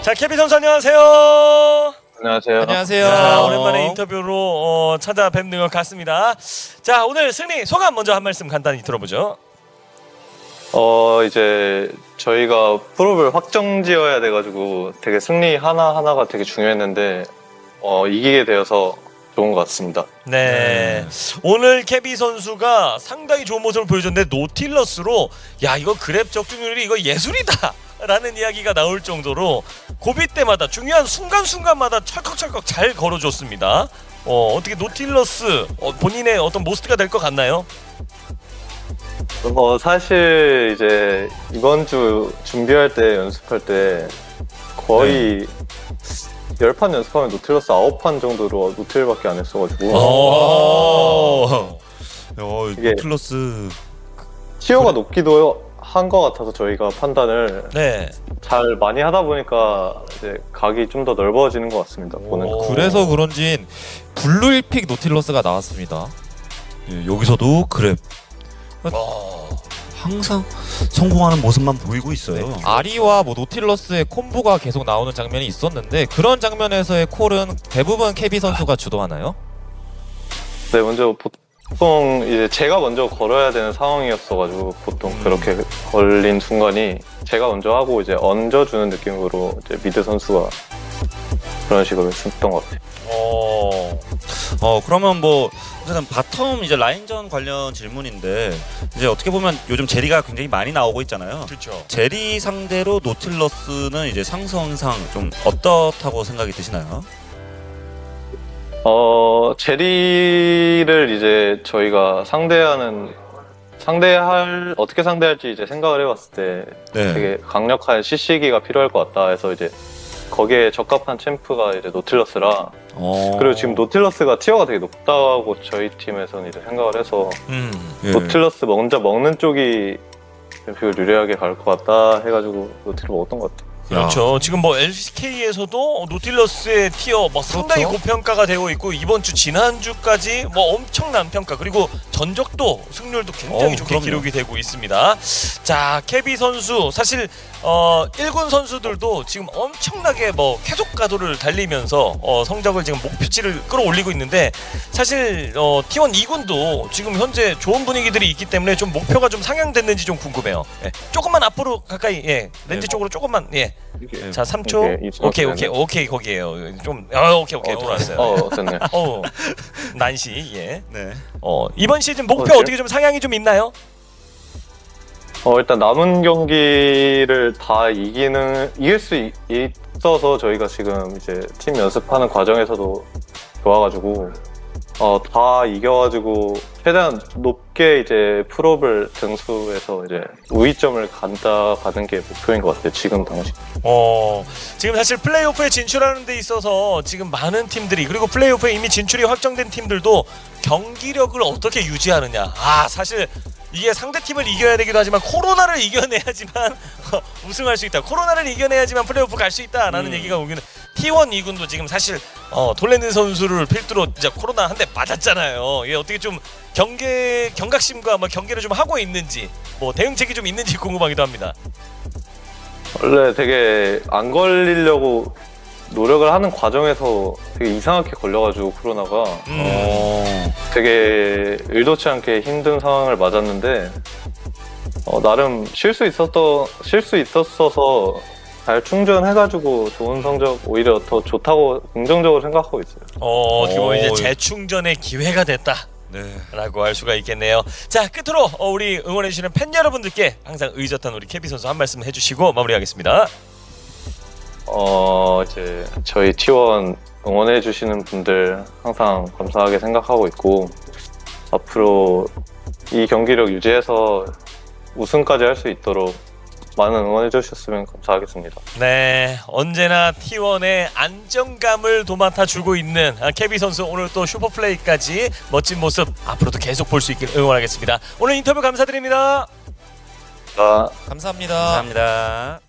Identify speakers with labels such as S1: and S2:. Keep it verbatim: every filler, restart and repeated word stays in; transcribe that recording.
S1: 자, 케비 선수 안녕하세요.
S2: 안녕하세요.
S3: 안녕하세요.
S1: 자, 오랜만에 인터뷰로 어, 찾아뵙는 것 같습니다. 자, 오늘 승리 소감 먼저 한 말씀 간단히 들어보죠.
S2: 어 이제 저희가 프로를 확정지어야 돼가지고 되게 승리 하나 하나가 되게 중요했는데 어 이기게 되어서 좋은 것 같습니다.
S1: 네. 오늘 케비 선수가 상당히 좋은 모습을 보여줬는데 노틸러스로 야 이거 그랩 적중률이 이거 예술이다 라는 이야기가 나올 정도로 고비 때마다 중요한 순간순간마다 철컥철컥 잘 걸어줬습니다. 어, 어떻게 노틸러스 어, 본인의 어떤 모스트가 될 것 같나요?
S2: 어 사실 이제 이번 주 준비할 때 연습할 때 거의 열 판 연습하면 노틸러스 아홉 판 정도로 노틸밖에 안 했어가지고
S1: 오.
S3: 어,
S2: 이게-
S3: 플러스
S2: 티어가 높기도 한 것 같아서 저희가 판단을
S1: 네.
S2: 잘 많이 하다 보니까 이제 각이 좀 더 넓어지는 것 같습니다. 보는 거.
S1: 오.
S3: 그래서 그런지 블루 일픽 노틸러스가 나왔습니다.
S4: 예, 여기서도 그랩
S1: 어.
S4: 항상 성공하는 모습만 보이고 있어요.
S3: 아리와 뭐 노틸러스의 콤보가 계속 나오는 장면이 있었는데 그런 장면에서의 콜은 대부분 케비 선수가 주도하나요?
S2: 네, 먼저 보통 이제 제가 먼저 걸어야 되는 상황이었어가지고 보통
S3: 음.
S2: 그렇게 걸린 순간이 제가 먼저 하고 이제 얹어주는 느낌으로 이제 미드 선수가 그런 식으로 했었던 것 같아요.
S1: 어.
S4: 어 그러면 뭐 어쨌든 바텀 이제 라인전 관련 질문인데 이제 어떻게 보면 요즘 제리가 굉장히 많이 나오고 있잖아요.
S1: 그렇죠.
S4: 제리 상대로 노틸러스는 이제 상성상 좀 어떻다고 생각이 드시나요?
S2: 어 제리를 이제 저희가 상대하는 상대할 어떻게 상대할지 이제 생각을 해봤을 때
S4: 네.
S2: 되게 강력한 씨씨기가 필요할 것 같다 해서 이제 거기에 적합한 챔프가 이제 노틸러스라
S4: 어...
S2: 그리고 지금 노틸러스가 티어가 되게 높다고 저희 팀에서는 이제 생각을 해서
S1: 음.
S4: 예.
S2: 노틸러스 먼저 먹는 쪽이 비율 유리하게 갈 것 같다 해가지고 노틸을 먹었던 것 같아요.
S1: 그렇죠. 지금 뭐 엘씨케이에서도 노틸러스의 티어 뭐 상당히
S3: 그렇죠.
S1: 고평가가 되고 있고 이번 주 지난주까지 뭐 엄청난 평가 그리고 전적도 승률도 굉장히
S4: 어우,
S1: 좋게
S4: 그럼요.
S1: 기록이 되고 있습니다. 자, 케비 선수 사실 어 일 군 선수들도 지금 엄청나게 뭐 계속 가도를 달리면서 어 성적을 지금 목표치를 끌어올리고 있는데 사실 어 티원 이 군도 지금 현재 좋은 분위기들이 있기 때문에 좀 목표가 좀 상향됐는지 좀 궁금해요. 예. 조금만 앞으로 가까이 예. 렌즈
S4: 네.
S1: 쪽으로 조금만 예.
S4: 예.
S1: 자, 삼 초.
S2: 오케이,
S1: 오케이,
S2: 이
S1: 오케이, 오케이, 거기에요. 좀, 어, 오케이, 오케이,
S2: 어,
S1: 돌아왔어요.
S2: 어, 됐네.
S1: 어, 난시, 예.
S4: 네.
S1: 어, 이번 시즌 목표
S2: 어때요?
S1: 어떻게 좀 상향이 좀 있나요?
S2: 어, 일단 남은 경기를 다 이기는 이길 수 있, 있어서 저희가 지금 이제 팀 연습하는 과정에서도 좋아가지고 어, 다 이겨가지고 최대한 높게 이제 풀업을 등수해서 이제 우위점을 간다 가는 게 목표인 것 같아요. 지금 당시.
S1: 어, 지금 사실 플레이오프에 진출하는 데 있어서 지금 많은 팀들이 그리고 플레이오프에 이미 진출이 확정된 팀들도 경기력을 어떻게 유지하느냐. 아, 사실 이게 상대팀을 이겨야 되기도 하지만 코로나를 이겨내야지만 우승할 수 있다. 코로나를 이겨내야지만 플레이오프 갈 수 있다라는
S4: 음.
S1: 얘기가 오기는 티원 이 군도 지금 사실 어, 돌렌드 선수를 필두로 진짜 코로나 한 대 맞았잖아요. 이게 어떻게 좀 경계 경각심과 뭐 경계를 좀 하고 있는지 뭐 대응책이 좀 있는지 궁금하기도 합니다.
S2: 원래 되게 안 걸리려고 노력을 하는 과정에서 되게 이상하게 걸려가지고 코로나가
S1: 음.
S4: 어...
S2: 되게 의도치 않게 힘든 상황을 맞았는데 어, 나름 쉴 수 있었던 쉴 수 있었어서 잘 충전해가지고 좋은 성적 오히려 더 좋다고 긍정적으로 생각하고 있어요.
S1: 어, 어떻게 보면 이제
S4: 어.
S1: 재충전의 기회가 됐다.
S4: 네.
S1: 라고 할 수가 있겠네요. 자, 끝으로 어, 우리 응원해주시는 팬 여러분들께 항상 의젓한 우리 케비 선수 한 말씀 해주시고 마무리하겠습니다.
S2: 어 이제 저희 티원 응원해 주시는 분들 항상 감사하게 생각하고 있고 앞으로 이 경기력 유지해서 우승까지 할 수 있도록 많은 응원해 주셨으면 감사하겠습니다.
S1: 네, 언제나 티원의 안정감을 도맡아 주고 있는 아, 케비 선수 오늘 또 슈퍼플레이까지 멋진 모습 앞으로도 계속 볼 수 있길 응원하겠습니다. 오늘 인터뷰 감사드립니다.
S2: 자.
S3: 감사합니다.
S4: 감사합니다.